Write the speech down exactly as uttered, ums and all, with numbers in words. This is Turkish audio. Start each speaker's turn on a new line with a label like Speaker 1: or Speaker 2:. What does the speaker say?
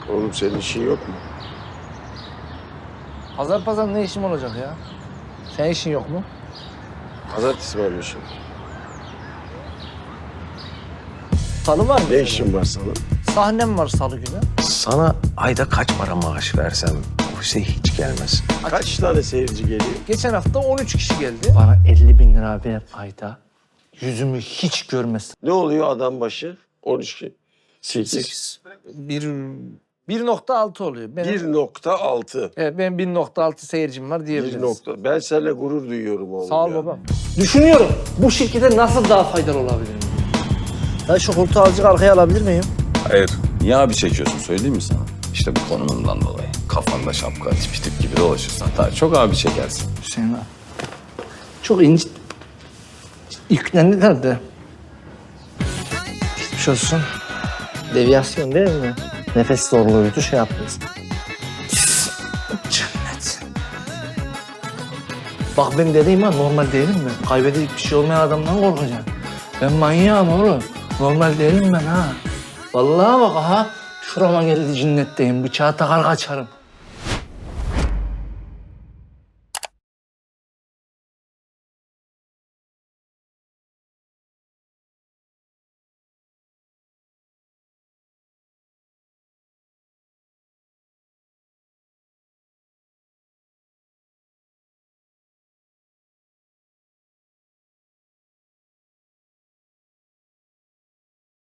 Speaker 1: Oğlum senin işin yok mu?
Speaker 2: Pazar pazar ne işim olacak ya? Senin işin yok mu?
Speaker 1: Pazartesi varmışım.
Speaker 2: Salı var mı?
Speaker 1: Ne işin var sana?
Speaker 2: Sahnem var salı günü.
Speaker 3: Sana ayda kaç para maaş versem bu şey hiç gelmez.
Speaker 1: Kaç tane seyirci geliyor?
Speaker 2: Geçen hafta on üç kişi geldi. Bana elli bin lira ver ayda. Yüzümü hiç görmesin.
Speaker 1: Ne oluyor adam başı? on üç ki. sekiz.
Speaker 2: Bir, bir nokta altı oluyor. Benim,
Speaker 1: bir nokta altı.
Speaker 2: Evet, benim bir nokta altı seyircim var diyebiliriz.
Speaker 1: bir nokta. Ben seninle gurur duyuyorum oğlum.
Speaker 2: Sağ ol
Speaker 1: ya.
Speaker 2: babam. Düşünüyorum bu şirkete nasıl daha faydalı olabilirim? Ya şu koltuğu azıcık arkaya alabilir miyim?
Speaker 4: Hayır. Niye abi çekiyorsun söyleyeyim mi sana? İşte bu konumundan dolayı. Kafanda şapka, tipi tip gibi dolaşırsan daha çok abi çekersin.
Speaker 2: Hüseyin abi. Çok ince yüklendiler de. Geçmiş olsun. Deviyasyon değil mi? Nefes zorluğuydu şey yaptınız. Cennet. Bak ben dediğim ha normal değilim mi? Kaybedecek bir şey olmayan adamdan korkacağım. Ben manyağım oğlum. Normal değilim ben ha. Vallahi bak ha. Şurama geldi cinnetteyim. Bıçağı takar kaçarım.